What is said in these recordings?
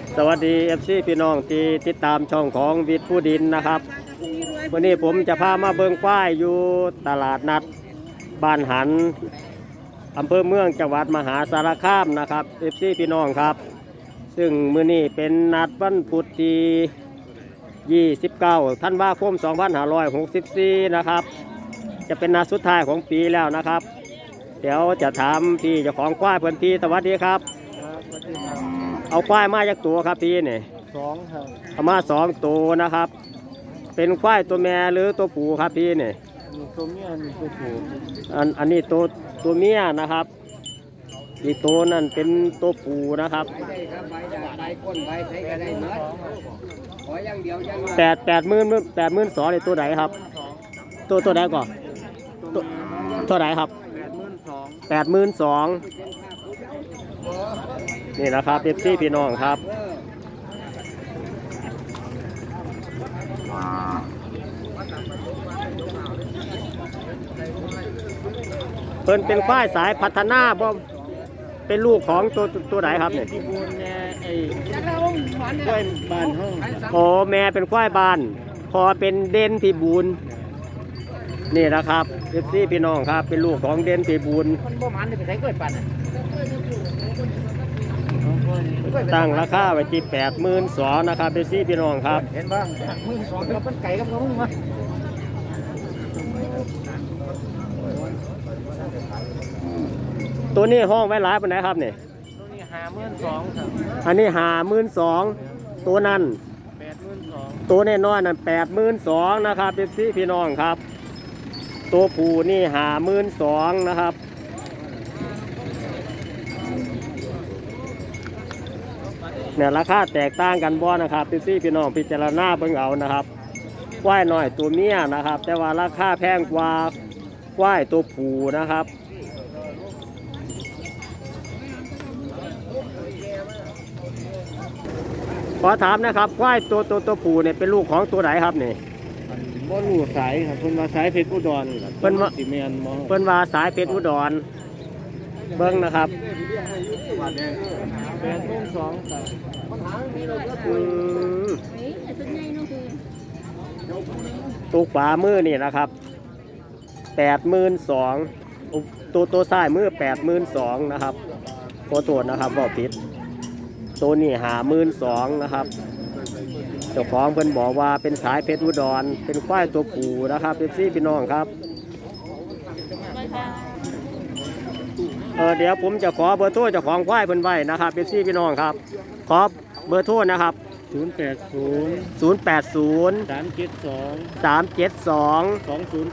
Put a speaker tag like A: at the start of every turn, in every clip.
A: สวัสดี FC พี่น้องที่ติดตามช่องของวิทย์ผู้ดินนะครับวันนี้ผมจะพามาเบิ่งควายอยู่ตลาดนัดบ้านหันอำเภอเมืองจังหวัดมหาสารคามนะครับ FC พี่น้องครับซึ่งมื้อนี้เป็นนัดวันพุธที่29ธันวาคม2564นะครับจะเป็นนัดสุดท้ายของปีแล้วนะครับเดี๋ยวจะถามพี่เจ้าของควายเพื่อนพี่สวัสดีครับเอาควายมาจากตัวครับพี่นี่
B: 2ครับ
A: เอามา2ตัวนะครับเป็นควายตัวแม่หรือตัวผู้ครับพี่นี่
B: ตัวเมียนี่ตัวผู้
A: อันนี้ตัวเมียนะครับอีกตัวนั่นเป็นตัวผู้นะครับ82,000ในตัวไหนครับตัวไหนก่อนตัวไหนครับ82,000นี่นะครับเอฟซีพี่น้องครับเพิ่นเป็นควายสายพัฒนาบ่เป็นลูกของตัวไหนครับเนี่ย
B: ที่บูนแม่ไอ้ควายบ้านห้อง
A: โอ้แม่เป็นควายบ้านพอเป็นเด่นพิบูลนี่นะครับเอฟซีพี่น้องครับเป็นลูกของเด่นพิบูล
B: มันบ่มันไปใส่กล้วยปั่น
A: ตั้งราคาไว้ที่82,000นะครับเอฟซีพี่น้องครับ
B: เห็นบ้าง12,000กับมันไก่กับเขามา
A: ตัวนี้ห้องไว้หลายปานไหนครับเนี่ย
B: ตัวนี้52,000ครับ
A: อันนี้52,000ตัวนั้น
B: 82,000
A: ตัวน้อยๆนั่น82,000นะครับเอฟซีพี่น้องครับตัวผู้นี่52,000นะครับเนี่ยราคาแตกต่างกันบ่นะครับพี่น้องพิจารณาเบิ่งเอานะครับควายน้อยตัวเมียนะครับแต่ว่าราคาแพงกว่าควายตัวผู้นะครับขอถามนะครับควายตัวผู้เนี่ยเป็นลูกของตัวไหนครับนี่
B: บ่รู้สายครับเพิ่นว่าสายเพชรอุดร
A: เพิ่นว่า
B: สิแม่นบ่
A: เพิ่นว่าสายเพชรอุดรเบิ่งนะครับตัวขวามือนี่นะครับ82,000ตัวซ้ายมือ82,000นะครับขอโทษนะครับบอกผิดตัวนี้52,000นะครับเจ้าของเพิ่นบอกว่าเป็นสายเพชรอุดรเป็นควายตัวผู้นะครับพี่น้องครับเดี๋ยวผมจะขอเบอร์โทรเจ้าของควายเพิ่นไว้นะครับพี่น้องครับขอเบอร์โทรนะครับ
B: 080 372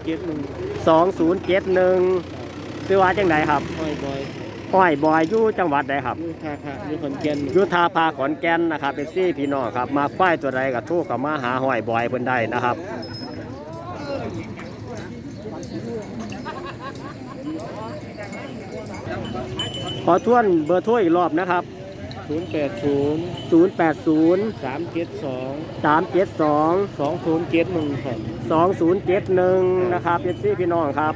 B: 2071
A: ชื่อว่าจังไดครับห้อยบอยอยู่จังหวัดใดครับ
B: อยู่ขอนแก่น
A: อยู่ท่าพาขอนแก่นนะครับพี่น้องครับมาควายตัวใดก็โทรเข้ามาหาห้อยบอยเพิ่นได้นะครับขอทวนเบอร์โทรอีกรอบนะครับ
B: 080 372 2071ครับ
A: 2071นะครับพี่น้องครับ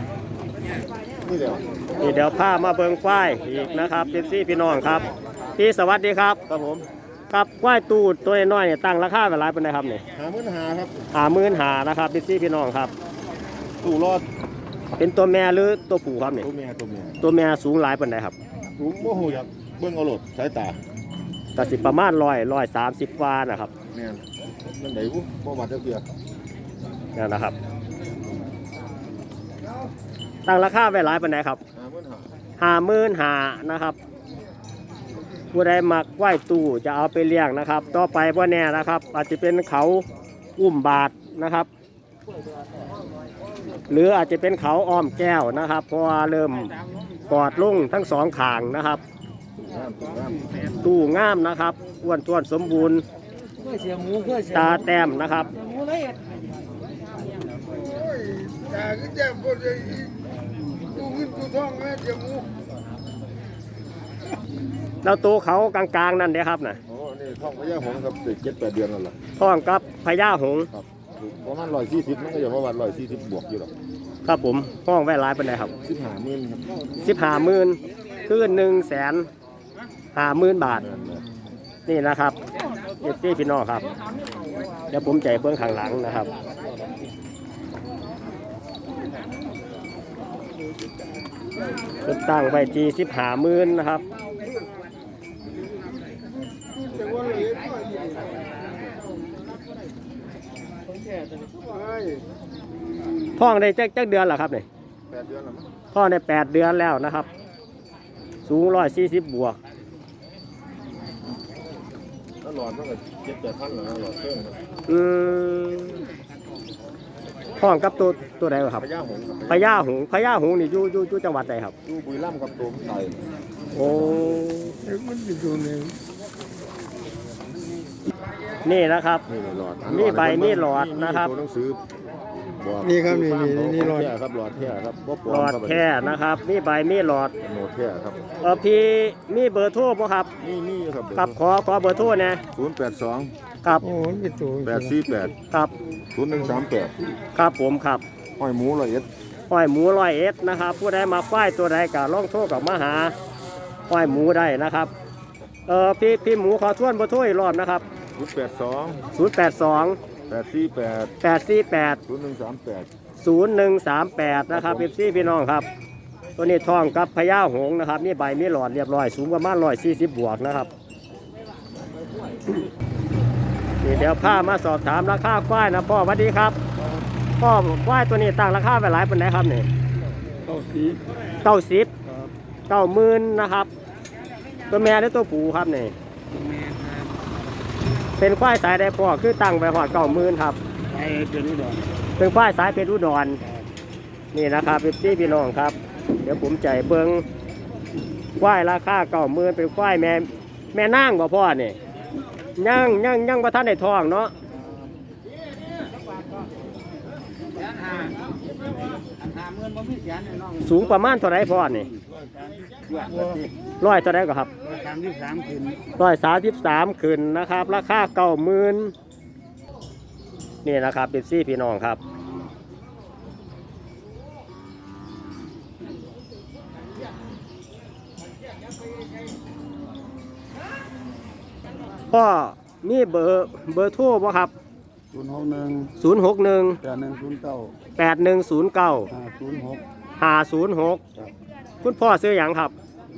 A: เดี๋ยวพามาเบิ่งควายอีกนะครับพี่น้องครับพี่สวัสดีครับ
B: ครับผม
A: ครับควายตูดตัวน้อยเนี่ยตั้งราคาเป็นไรเป็นไรครับเนี่ย
B: 55,000ครับ
A: 55,000นะครับพี่น้องครับ
B: ตู้รอด
A: เป็นตัวแม่หรือตัวผู้ครับเนี่ยตัวแม่สูงหลายเป็นไรครับ
B: สูงโมโหอยากเบิ่งเอาโหลดสายตา
A: ก็สิประมาณ130 วานะครับ
B: แม่นมันไหนวุ้บ่วัดเท่าเกียร์
A: นี่นะครับตั้งราคาไว้หลายเป็นไรครับ55,000นะครับผู้ใดมักไหว้ตู้จะเอาไปเลี้ยงนะครับต่อไปพวกแน่นะครับอาจจะเป็นเขาอุ้มบาทนะครับหรืออาจจะเป็นเขาอ้อมแก้วนะครับเพราะว่าเริ่มกอดลุ่งทั้งสองข้างนะครับตู้งามนะครับอ้วนท้วนสมบูรณ์ตาแต้มนะครับแล้วตัวเขากลางๆนั่นเด้ครับนะ
B: โอ้นี่ท้องพญาหงส์ครับ7-8 เดือนแล้วล่ะ
A: ท้องกับพญาหงส์
B: ประมาณ140มันก็อยู่ประมาณ140บวกอยู่หรอก
A: ครับผมห้องไว้หลายเป็นไรครับ
B: 15,000ครับ
A: 15,000คือ150,000 บาทนี่นะครับเอฟซีพี่น้องครับเดี๋ยวผมใจเบื้องข้างหลังนะครับตั้งไว้ที่15,000นะครับท้องได้จักเดือนเหรอครับเนี่ย
B: 8 เดือนแล้วมั้ง
A: ท้องได้8 เดือนแล้วนะครับสูง140 บวก
B: ถ้าหลอดมันก็7-8,000แล้วหลอดเครื่อง
A: ท้องกับตัวใดครับ
B: พญาหงส์ครับ
A: พญาหงส์นี่อยู่จังหวัดใดครับ
B: อยู่บุรีรัมย์กับตัวไทย
A: โอ้
B: มันอยู่ตรงนี้
A: นี่นะครับ
B: นี่หลอด
A: มีใบมีหลอดนะครับ
B: ตัวหนังสือบอก
C: นี่ครับนี่หลอด
B: แท้ครับหลอดแท้ครับบ่ปลอ
A: หล
B: ม
A: อด
B: ครับ
A: แค่นะครับมีใบมีหลอด
B: โนแท้ครับ
A: พี่มีเบอร์โทรป่ะครับ
B: นี่ครับ
A: ครับขอเบอร์โทรนะ
B: 082
A: ครับ
C: โอ้ยเป็นตัว
B: 848
A: ครับ
B: 0138
A: ครับผมครับ
B: ห้อยหมูละเอียด
A: ห้อยหมู100 นะครับผู้ใดมาฝ้ายตัวใดก็ลองโทรกับมาหาห้อยหมูได้นะครับพี่หมูขอทวนเบอร์โทรอีกรอบนะครับ
B: 082
A: 082
B: 848
A: 848
B: 0138
A: นะครับพี่พี่น้องครับ ตัวนี้ทองกับพญาหงส์นะครับนี่ใบมีหลอดเรียบร้อยสูงประมาณ140 บวกนะครับนี่เดี๋ยวพามาสอบถามราคาควายนะพ่อสวัสดีครับพ่อควายตัวนี้ตั้งราคาไปหลายเป็นไหนครับนี่ 90,000นะครับตัวแม่หรือตัวผู้ครับนี่เป็นควายสายใดพ่อคือตั้งไปหอด90,000ครับ
C: ไอ้เป็นอุดร
A: เป็นควายสายเป็นอุดรนี่นะครับพี่น้องครับเดี๋ยวผมใจเบิ้งควายราคา90,000เป็นควายแม่นางบ่พ่อนี่ยังบ่ทันได้ทองเนาะสูงประมาณเท่าไรพ่อนี่100เท่าไรก็ครับ
C: 33ขึ้น
A: 133ขึ้นนะครับราคา90,000นี่นะครับเป็นพี่น้องครับพ่อมีเบอร์โทรบ่ครับ
C: 061
A: 061
C: 8109
A: 8109
C: 506
A: 506คุณพ่อซื้อหยังครับ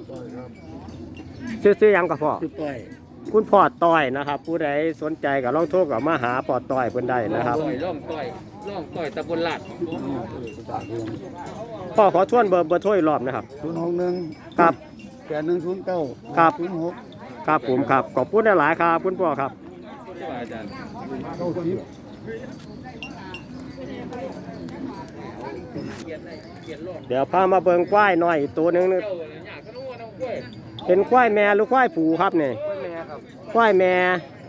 A: ซื้อหยังกับพ่อ
C: คือต้อย
A: คุณพ่อต้อยนะครับ ผู้ใดสนใจก็ลองโทรกับมาหาพ่อต้อยเพิ่นได้นะครับ
D: ร่องต้อยตะบนลาด
A: พ่อขอทวนเบอร์โทรอีกรอบนะครับ
C: 061
A: ครับ
C: 8109
A: ครับ
C: 506
A: ครับผมครับขอบคุณหลายๆครับคุณพ่อครับ
D: อาจารย์
A: เดี๋ยวพามาเบิ่งควายหน่อยอีกตัวหนึงนะเป็นควายแม่หรือควายผูครับเนี่ยควายแม่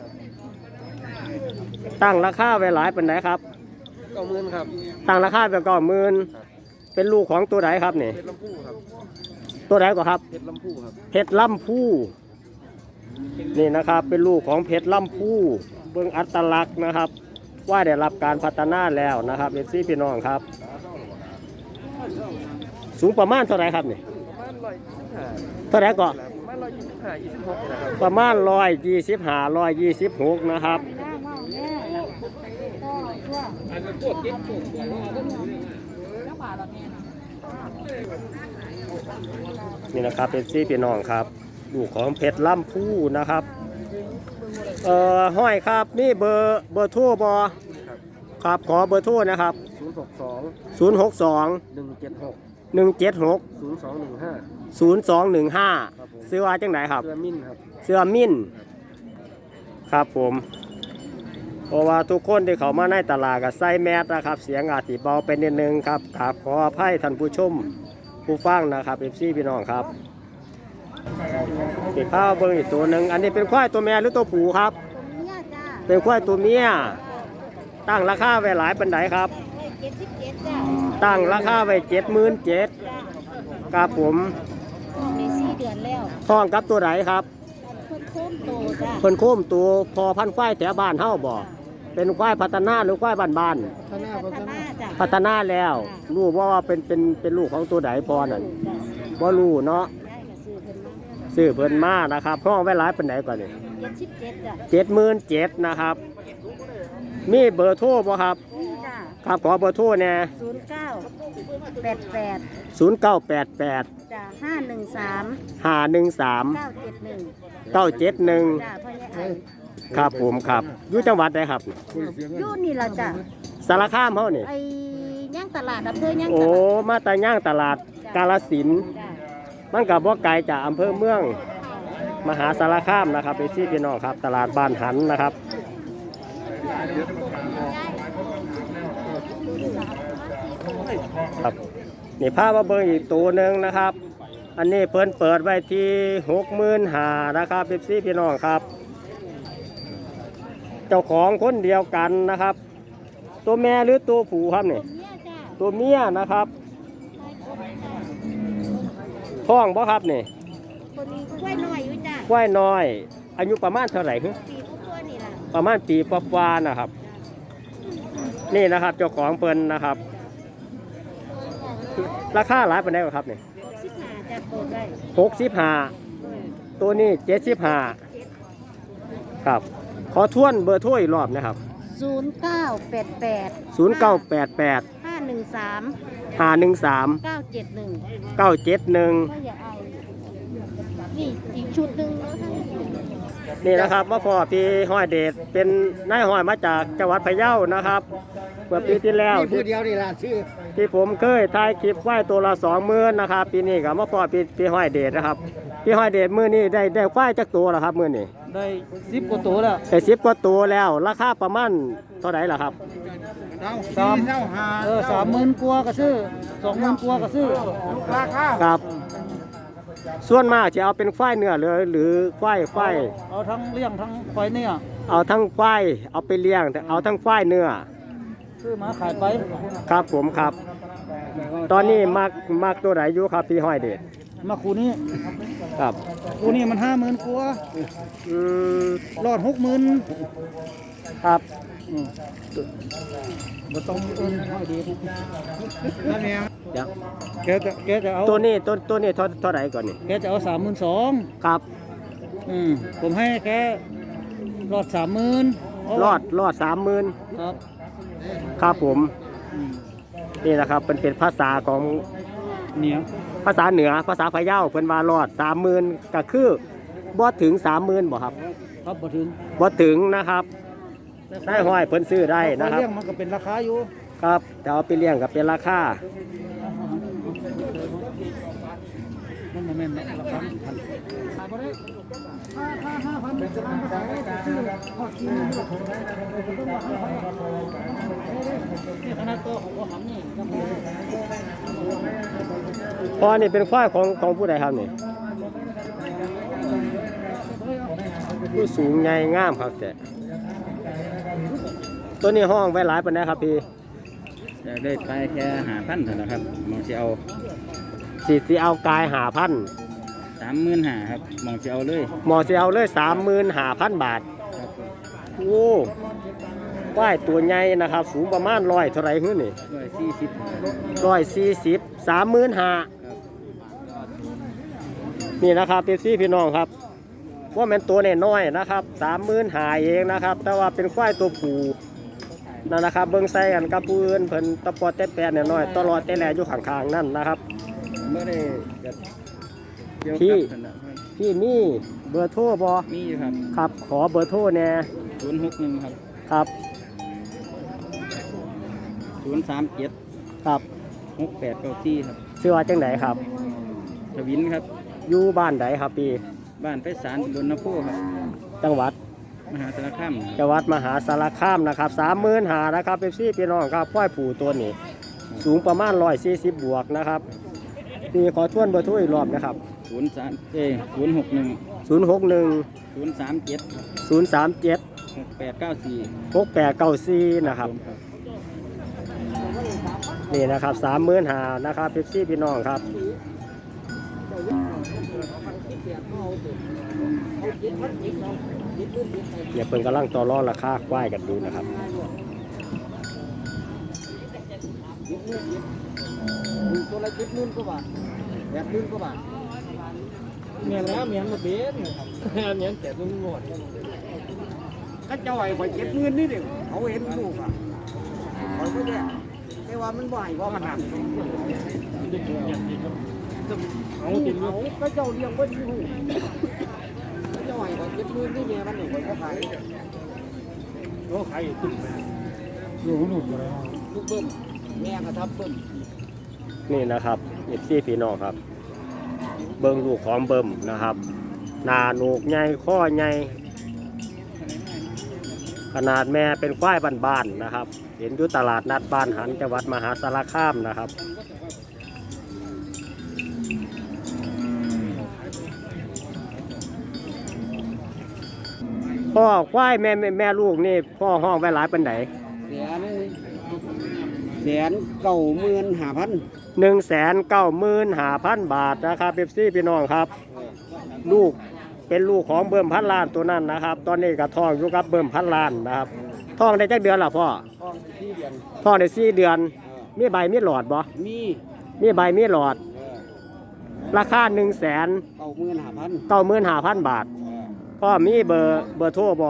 A: ตั้งราคาไว้หลายเป็นไหนครับ
D: 90,000ครับ
A: ตั้งราคาไว้90,000เป็นลูกของตัวไหนครับเนี่ย
D: เพชรลำพูครับ
A: ตัวไหนก็ครับ
D: เพชรลำพูครับ
A: เพชรลำพูนี่นะครับเป็นลูกของเพชรลำพูเบิ่งอัตลักษณ์นะครับ ว่าได้รับการพัฒนาแล้วนะครับเป็นพี่น้องครับ สูงประมาณเท่าไหรครับนี่
D: ประมาณ125
A: เท่าไหรก็
D: ประมาณ125 26นะครับ
A: ประมาณ125 126นะครับ
D: อันนั้นพวกกิ๊กพวกตัวเราก็มี
A: นี่นะครับเป็นพี่น้องครับลูกของเพชรลำพูนะครับห้อยครับนี่เบอร์โทรบอครับขอเบอร์โทรนะครับ
D: 062
A: 062
D: 176
A: 176
D: 0215
A: 0215ซื้อว่าจังไหนครับ
D: เสื้อมิ้นครับ
A: เสื้อมิ้นครับผมเพราะว่าทุกคนที่เขามาในตลาดก็ใส่แมสนะครับ เสียงอาจจะเบาไปนิดนึงครับกราบขออภัยท่านผู้ชมผู้ฟังนะครับพี่น้องครับติดข้าวเบิ้งอีกตัวหนึ่งอันนี้เป็นควายตัวแม่หรือตัวผู้ครับ
E: เนี่ยจ้า
A: เป็นควายตัวเมียตั้งราคาไว้หลายปันไดครับ
E: 77จ้า
A: ตั้งราคาไว้77,000ครับผม
E: ใน4 เดือนแล้ว
A: ท้องกับตัวไหนครับ
E: เพิ่นโค้มโตจ้า
A: เพิ่นโค้มตัวพอพันธุ์ควายแถวบ้านเฮาบ่เป็นควายพัฒนาหรือควายบ้าน
E: พัฒนาจ้า
A: ๆพัฒนาแล้วรู้ว่าเป็นลูกของตัวไหนพอนั่นบ่รู้เนาะ
E: ได้ก็ซื้อเพิ่นมา
A: ซื้อเพิ่นมานะครับห้องไว้หลายปานใดก่อนนี่
E: 77จ้ะ
A: 77,000นะครับมีเบอร์โทรบ่ครับ
E: นี่จ้ะ
A: ครับขอเบอร์โทรแน่
E: 0988
A: 0988
E: จ้ะ
A: 513
E: 513 971
A: 971
E: จ้ะพ่อใหญ่ไอ
A: ครับผมครับอยู่จังหวัดใดครับ
E: อยู่นี่ล่ะจ้ะ
A: สารคามเฮานี่
E: ไอ้ย่างตลาดอำเภอย่าง
A: โอ้
E: ตลาด
A: มาแต่ย่างตลาดกาฬสินธุ์
E: จ้ะ
A: มันก็บ่ไกลจากอำเภอเมืองมหาสารคามนะครับไปซี่พี่น้องครับตลาดบ้านหันนะครับครับนี่พามาเบิ่งอีกตัวหนึ่งนะครับ อันนี้เพิ่นเปิดไว้ที่65,000นะครับไปซี่พี่น้องครับ เจ้าของคนเดียวกันนะครับ ตัวแม่หรือตัวผู้ครับนี่
E: เนี่ยจ้ะ
A: ตัวเมียนะครับท้องบ่ครับนี่
E: คนนี้กล้วยน้อยอยู่จ้ะ
A: กล้วยน้อย อายุประมาณเท่าไหร่ฮึ
E: ปีกว่าๆนี่ล่ะ
A: ประมาณปีกว่าๆนะครับ นี่นะครับเจ้าของเปิ้นนะครับ ราคาหลายปานใดครับนี่
E: 65จ้ะเปิดได้
A: 65ตัวนี้75ครับ ขอทวนเบอร์โทรอีกรอบนะครับ
E: 0988
A: 0988
E: 513
A: 513
E: 971
A: 971
E: ก็อย่าเอานี่อีกชุดหนึ่งแล้วทั้ง
A: นี่นะครับมาพอพี่ห้อยเดชเป็นนายห้อยมาจากจังหวัดพะเยานะครับเมื่อปีที่แล้ว
B: นี่ผู้เดียวนี่ล่ะชื่อ
A: ที่ผมเคยถ่ายคลิปไว้ตัวละ20,000นะครับปีนี้ก็มาพอพี่ห้อยเดชนะครับพี่ห้อยเดชมื้อนี้ได้ควายจักตัวแล้วครับมื้อนี้
B: ได้10กว่าตัวแล้ว
A: ได้10กว่าตัวแล้วราคาประมาณเท่าไหร่ล่ะครับ
B: 30,000กว่าก็ซื้อ20,000กว่าก็ซื้อราคา
A: ครับ ส่วนมากจะเอาเป็นควายเนื้อเลยหรือควาย
B: เอาทั้งเลี้ยงทั้งควายเนี่ย
A: เอาทั้งควายเอาไปเลี้ยงเอาทั้งควายเนื้อ
B: ซื้อมาขายไป
A: ครับผมครับ ตอนนี้มักตัวไหนอยู่ครับพี่ห้อยเดช
B: มาคูนี้
A: ครับ
B: คูนี้มัน50,000กว่า
A: อืม
B: รอด60,000
A: ครับ
B: บ่ต้องเอิ้นให้ดีนั่นเอง
A: เดี๋ยว
B: แกจะเอา
A: ตัวนี้เท่าไหร่ก่อนนี่
B: แกจะเอา32,000
A: ครับ
B: ผมให้แกรอด30,000
A: รอด30,000
B: ครับ
A: ครับผมนี่นะครับเป็นภาษาของ
B: เนี่ย
A: ภาษาเหนือภาษาพะเยาเพิ่นว่ารอด30,000ก็คือบ่ถึง30,000บ่ครับ
B: ครับบ่ถึง
A: บ่ถึงนะครับได้ห้อยเพิ่นซื้อได้นะครับ
B: เลี้ยงมันก็เป็นราคาอยู่
A: ครับแต่เอาไปเลี้ยงก็เป็นราคา
B: มันบ่แม่นราคาพันขายบ่ได้ถ้า5,000เป็นประมาณเท่าไหร่ซื้อพอกินนี่ขนาดตัวของบ่หำนี่ก็มี
A: พอนี่เป็นควายของผู้ใดครับนี่ผู้สูงใหญ่งามครับแต่ตัวนี้ห้องไว้หลายปานใดครับพี่
D: จะได้ไปแค่5,000เท่านั้นครับมองสิเอา
A: สิเอากาย5,000
D: 35,000ครับมองสิเอาเลย
A: หมอสิเอาเลย35,000 บาทโอ้ควายตัวใหญ่นะครับ สูงประมาณ100เท่าไหร่ฮึนี่
D: 140
A: 140 35,000นี่นะครับพี่น้องครับว่าแม่นตัวน้อยๆนะครับ35,000เองนะครับ แต่ว่าเป็นควายตัวผู้นั่นนะครับเบิ่งใส่กันกับผู้อื่นเพิ่นตะปอดแต่แปดน้อยๆตลอดแต่แลอยู่ข้างๆนั่นนะครับ
D: เมื่อได้จะเกี่ยว
A: พี่
D: กับนั่นน่ะ
A: พี่มีเบอร์โทรบ่
D: มีอยู่ครับ
A: ครับขอเบอร์โทรแน่
D: 061ครับ
A: ครับ
D: 037
A: ครับ
D: 6894ครับ
A: ชื่อว่าจังไดครับ
D: ทวินครับ
A: อยู่บ้านใดครับพี่
D: บ้านไพศาลดนโพครับ
A: จังหวัด
D: มหาสารคาม
A: จังหวัดมหาสารคามนะครับ35,000นะครับพี่น้องครับควายผู้ตัวนี้ สูงประมาณ140บวกนะครับพี่ขอทวนเบอร์โทรอีกรอบนะครับ
D: 061
A: 037
D: 6894
A: 6894นะครับนี่นะครับ35,000นะครับพี่น้องครับเนี่ยเพิ่นกำลังต่อรองราคาควายกันดูนะครับ
B: ตัวละ70,000กว่าบาท80,000กว่าบาทเมียนแล้วเมียนมาเป็นเมียนแต่ลุงหมด
C: ก็เจ้าไอ้ข่อยเก็บเงินนี่เด็กเขาเห็นลูกอ่ะข่อยก็เนี่ยแต่ว่ามันบ่อยเพราะมันหนัก
B: เอาติดลูก
C: ก็เจ้าเลี้ยงไว้ที่หูก็เจ้าไอ้ข่อยเก็บเงินนี่เนี่ยมันหนึ่งข่อยก็ขาย
B: โอ้ใครตุ้มลูกหนุนอะไร
C: ลูกเบิ้มแม่ก็ทับเบิ้ม
A: นี่นะครับเอฟซีพี่น้องครับ เบิ่งลูกของเบิ่มนะครับหน้าโหนกใหญ่ข้อใหญ่ขนาดแม่เป็นควายบ้านๆนะครับ เห็นอยู่ตลาดนัดบ้านหันจังหวัดมหาสารคามนะครับพ่อควายแม่ลูกนี่พ่อห้องไว้หลายปันไหน195,000 บาทนะครับเอฟซีพี่น้องครับ ลูกเป็นลูกของเบิ่มพันล้านตัวนั้นนะครับ ตอนนี้ก็ท้องอยู่กับเบิ่มพันล้านนะครับท้องได้จักเดือนล่ะพ่อ
C: ท้อง4 เดือน
A: ท้องได้4 เดือน มีใบมีหลอดบ่
C: มี
A: มีใบมีหลอด ราคา
C: 95,000
A: 195,000 บาท พ่อมีเบอร์โทรบ่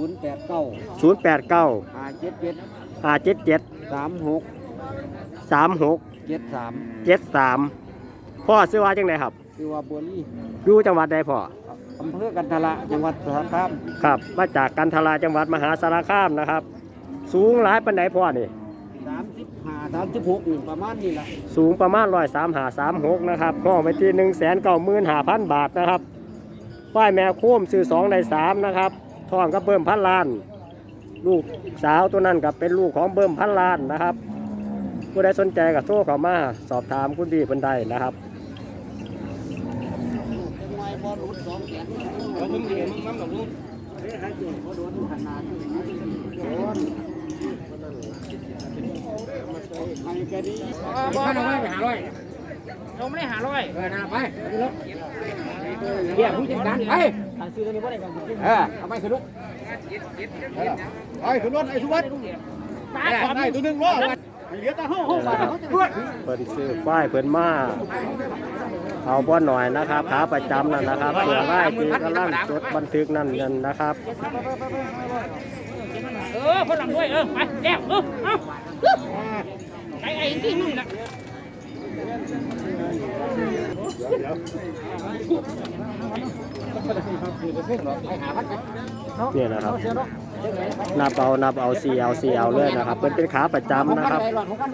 C: 089
A: 089
C: 577
A: 577
C: 36
A: 36
C: 73
A: 73พ่อซื้อว่าจังไดครับ
C: คือว่าบัวลี่
A: อยู่จังหวัดใดพ่อ
C: อำเภอกันทละจังหวัดสระคาม
A: ครับมาจากกันทราจังหวัดมหาสารคามนะครับ สูงหลายปานใดพ่อนี่
C: 35 36นี่ประมาณนี้ล่ะ
A: สูงประมาณ135-36นะครับห้องไปที่195,000 บาทนะครับควายแม่โค้มซื้อ2ได้3นะครับท้องก็เบิ่มพันล้าน ลูกสาวตัวนั้นกับเป็นลูกของเบิ่มพันล้านนะครับผู้ใดสนใจก็โทรเข้ามาสอบถามคุณพี่เพิ่นได้นะครับ
B: เราเพิ่งเรียนมึงน้ำหนักลูกบ้านเราไม่ไปหาร้อยเราไม่ได้หาร้อยนะไปเดี๋ยวผู้จัดการไปซื้อตัวนี้ว่าอะไรกันเอาไปขึ้นรถไปขึ้นรถไอ้สุวัสดิ์ได้ตัวนึงรอเหลือแต่ห้อง
A: เพิ่นซื้อควายเพิ่นมาเอาบ่หน่อยนะครับขาประจำนั่นนะครับเสือไล่ที่กำลังจดบันทึกนั่นนะครับ
F: คนหลังด้วยไปแล้วเอาไอ้ที่นู่นนะ
A: เนี่ยนะครับนับเอาCL เลยนะครับเป็นขาประจำนะครับ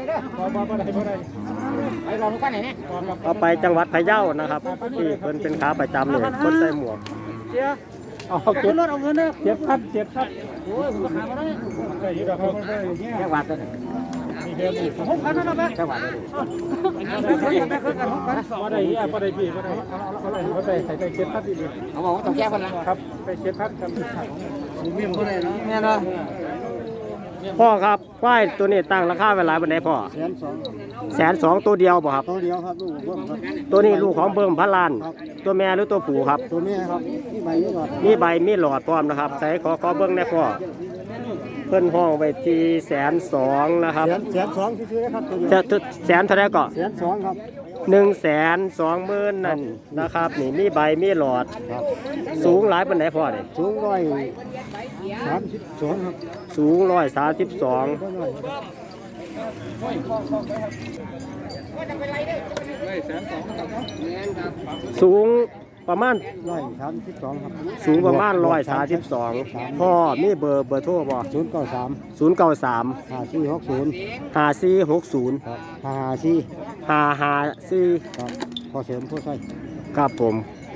A: เอาไปจังหวัดพะเยานะครับที่เป็นขาประจำเนี่ยคนใส่หมวก
B: เอาเก็บรถเอาเงินเจ็บครับโอ้ยผมก็หามาได้แค่วัดเลยหกพันนั่นแหละแค่วัดเลยมาได้มาได้พี่มาได้ใส่ไป7,000ดีเขาบอกว่าต้องแก้กันนะครับไป7,000ครับผมมีคนไหนเนาะเนี่ยนะ
A: พ่อครับควายตัวนี้ตั้งราคาไว้หลายปานใดพ่อ120,000ตัวเดียวบ่ครับ
C: ตัวเดียวครับลูกผมครับ
A: ตัวนี้ลูกของเบิ่มพันล้าน ตัวแม่หรือตัวผู้ครับ
C: ตัวแม่ครับนี่ใบนี้ก่อน
A: มีใบมีหลอดพร้อมนะครับใส่ขอเบิ่งได้พ่อเพิ่นห้องไว้ที่120,000นะครับ
C: 120,000ที่ซื้อครับตัวเดียว
A: จะแสนเท่าไหร่ก็
C: 120,000ครับ
A: 120,000นั่นนะครับนี่มีใบมีหลอด
C: ครับ
A: สูงหลายปานใดพ่อนี่
C: สูง132ครับ
A: สูง132สูงประมาณ
C: 132ครับ
A: สูงประมาณ132พ่อมีเบอร์โทรบ่
C: 093
A: 093
C: 5460
A: 5460
C: ครับ54
A: 554
C: ครับพอเสริมพอใส่
A: ครับผม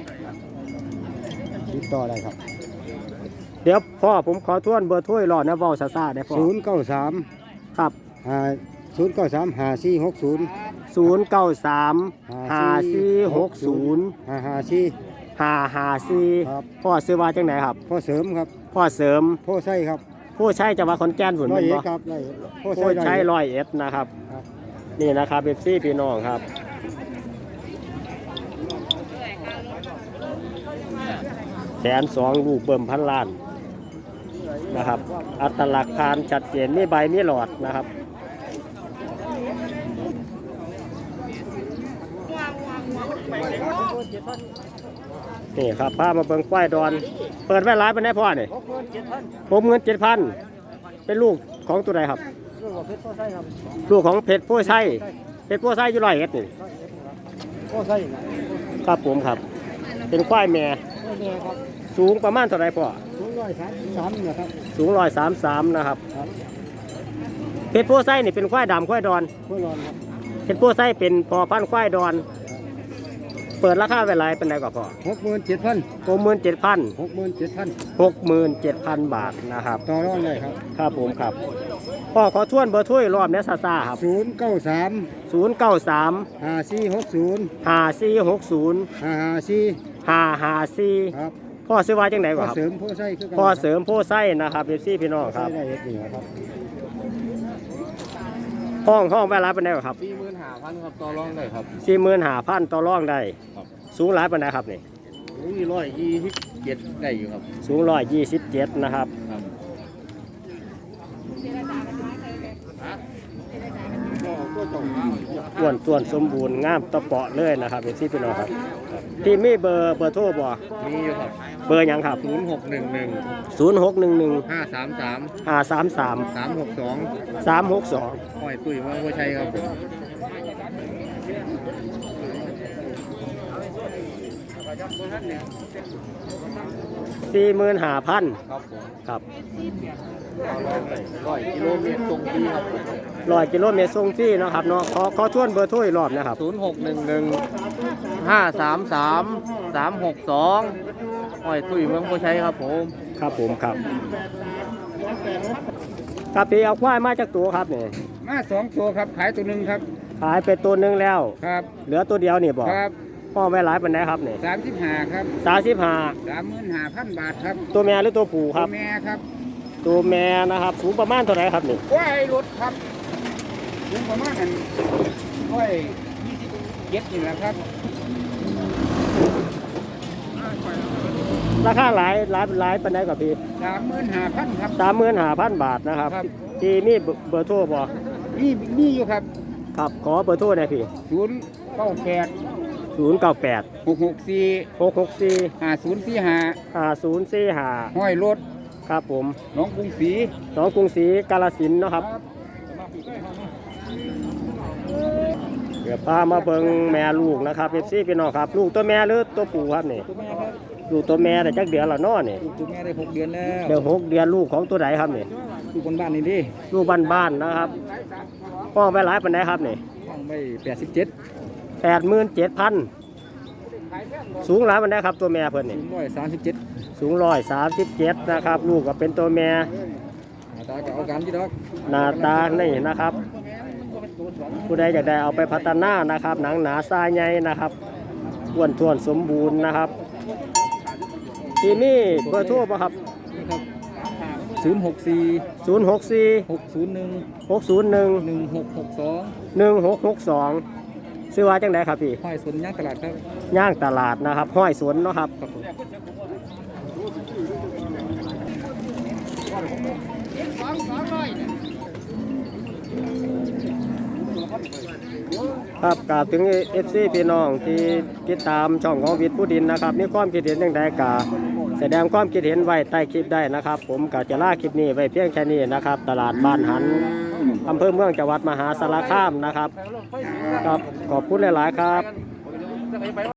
C: ติดต่อได้ครับ
A: เดี๋ยวพ่อผมขอทวนเบอร์โทรอีกรอบนะเว้าซ่าๆได้พ่อ
C: 093
A: ครับ
C: 093 5460
A: 093 5460
C: 554
A: 554
C: ครับ
A: พ่อซื้อว่าจังไหนครับ
C: พอเสริมครับ
A: พ่อเสริม
C: พอใส่ครับ
A: ผู้ใช้จังหวัดขอนแก่นฝุ่น
C: ร้อย
A: เป็น
C: เอ็
A: บ่
C: ดครับร้อยพอ
A: ผู้
C: ใส่
A: ใช้
C: ได้
A: 100นะครับ
C: ครับ
A: นี่นะครับเบปซี่พี่น้องครับ120,000ลูกเบิ่มพันล้านนะครับ อัตลักษณ์ทานชัดเจนมีใบมีหลอดนะครับนี่ครับพามาเบิ่งควายดอน เปิดไว้หลายปานใดพ่อนี่ 67,000เป็นลูกของตัวใดครับ ลูกของเพชรโพไซเพชรโพไซอยู่100เอ็ดนี่
C: ก็ใส่
A: ครับผมครับ เป็นควายแม่
C: ไม่แน่ครับ
A: สูงประมาณเท่าไรพ่อ
C: 233เนี่ยครับ
A: สูง133นะครับ เพชรโพไซนี่เป็นควายดำควายดอน
C: เพื่อรอนครับ
A: เพชรโพไซเป็นพอพันธุ์ควายดอน เปิดราคาไว้หลายเป็นไรกว่าพ่อ
C: 67,000
A: 67,000
C: 67,000
A: บาทนะครับ
C: ต่อรองเลยครับ
A: ครับผมครับพ่อขอทวนเบอร์ถ้วยรอบเนี้ยซ่าๆครับ
C: 093
A: 093
C: 5460
A: 5460
C: 554
A: 554
C: ครับ
A: พ่อซื้อไว้จังไหน
C: ก็
A: วะครับ
C: เสริมผู้ใช้คือกัน
A: พ่อเสริมโพไซนะครับเอฟซีพี่น้องครับ
C: ใช้ได้เฮ็ดนี่ครับ
A: ห้องไว้หลายเป็นไรครับ
B: 45,000ครับต่อรองได้ครับ
A: 45,000ต่อรองได้ สูงหลายเป็นไรครับนี่
B: 127ได้อยู่ครับ
A: สูง127นะครับ อ้วนส่วนสมบูรณ์งามตะเปาะเลยนะครับเป็นที่พี่น้องครับที่มีเบอร์โทรบ่
B: มีอยู่ครับ
A: เบอร์หยังครับ
B: 0611
A: 0611
B: 533
A: 533
B: 362
A: 362
B: ห้อยตุ้ยเมืองบัวชัยครับผม
A: 45,000
B: ครับผม
A: ครับ
B: 100 กิโลเมตรตรงที่ครับ
A: 100 กิโลเมตรส่งฟรีเนาะครับเนาะขอชวนเบอร์โทรอีกรอบนะครับ
B: 0611 533 362ห้อยตุ้ยเมืองบัวชัยครับผม
A: ครับผมครับครับพี่เอาควายมาจากตัวครับนี่
C: มา2ตัวครับขายตัวนึงครับ
A: ขายไปตัวหนึงแล้ว
C: ครับ
A: เหลือตัวเดียวนี่บ่
C: ครับ
A: พ่อไว้หลายปานใดครับนี่
C: 35ครับ
A: 35
C: 35,000 บาทครับ
A: ตัวแม่หรือตัวผู้ครับ
C: แม่ครับ
A: ตัวแม่นะครับสูงประมาณเท่าไหร่ครับนี่
C: กล้วยรถครับถึงประมาณนั้นกล้วย27นี่แหละครับ
A: ราคาหลายปานใดกับพี่
C: 35,000ครับ
A: 35,000 บาทนะครับ
C: ครับ
A: ที่มีเบอร์โทรบ่
C: นี่อยู่ครับ
A: ครับขอเบอร์โทรหน่อยพี่
C: 098
A: 098
C: 664
A: 664
C: 5045
A: 5045
C: ห้อยรถ
A: ครับผม
C: หน้องกรุงศรี
A: น้องกรุงศรีกาฬสินธุ์เนาะครับเดี๋ยวพามาเบิ่งแม่ลูกนะครับเอฟซีพี่น้องครับ ลูกตัวแม่หรือตัวผู้ครับนี่
C: ตัวแม่ครับ
A: ลูกตัวแม่แต่จักเดือนละเนาะนี่
C: ตัวแม่ได้6 เดือนแล้ว
A: เดี๋ยว6 เดือนลูกของตัวไหนครับนี่
C: อยู่บนบ้านนี่ดิ
A: ลูกบ้านๆนะครับพ่อไว้หลายปานใดครับนี่
C: ห้องไป87
A: 87,000สูงหลายปานใดครับตัวแม่เพิ่นนี่
C: 137
A: สูง137นะครับ ลูกก็เป็นตัวแม่
C: ตาก็เอากันที่ดอก
A: หน้าตานี่นะครับ ผู้ใดอยากได้เอาไปพัฒนานะครับ หนังหนาทรายใหญ่นะครับอ้วนท้วนสมบูรณ์นะครับที่นี่เบอร์โทรป่ะครับ
C: 064
A: 064
C: 601
A: 601
C: 1662
A: 1662ซื้อว่าจังไดครับพี่
C: ห้อยสนย่างตลาดครับ
A: ย่างตลาดนะครับ ห้อยสวนเนาะครับ
C: ครับผม
A: ครับกราบถึง FC พี่น้องที่ติดตามช่องของวิทย์ผู้ดินนะครับมีความคิดเห็นอย่างใดกาแสดงความคิดเห็นไว้ใต้คลิปได้นะครับ ผมก็จะลาคลิปนี้ไว้เพียงแค่นี้นะครับ ตลาดบ้านหันอำเภอเมืองจังหวัดมหาสารคามนะครับครับขอบคุณหลายๆครับ